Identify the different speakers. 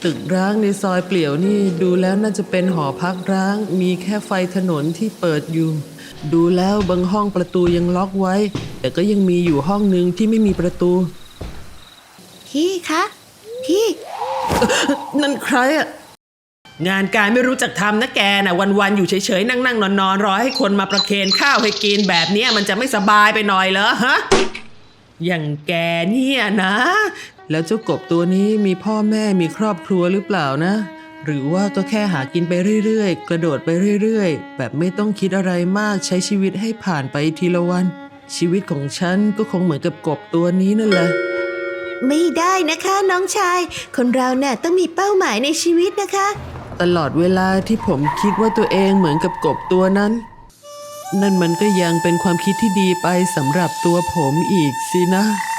Speaker 1: ตึกร้างในซอยเปลี่ยวนี่ดูแล้วน่าจะเป็นหอพักร้างมีแค่ไฟถนนที่เปิดอยู่ดูแล้วบางห้องประตูยังล็อกไว้แต่ก็ยังมีอยู่ห้องนึงที่ไม่มีประตู
Speaker 2: พี่คะพี่
Speaker 1: นั่นใครอะงานการไม่รู้จักทำนะแกน่ะวันๆอยู่เฉยๆนั่งๆนอนๆรอให้คนมาประเคนข้าวให้กินแบบนี้มันจะไม่สบายไปหน่อยเหรอฮะอย่างแกเนี่ยนะแล้วเจ้ากบตัวนี้มีพ่อแม่มีครอบครัวหรือเปล่านะหรือว่าก็แค่หากินไปเรื่อยๆกระโดดไปเรื่อยๆแบบไม่ต้องคิดอะไรมากใช้ชีวิตให้ผ่านไปทีละวันชีวิตของฉันก็คงเหมือนกับกบตัวนี้นั่นแหละ
Speaker 2: ไม่ได้นะคะน้องชายคนเราเนี่ยต้องมีเป้าหมายในชีวิตนะคะ
Speaker 1: ตลอดเวลาที่ผมคิดว่าตัวเองเหมือนกับกบตัวนั้นนั่นมันก็ยังเป็นความคิดที่ดีไปสำหรับตัวผมอีกสินะ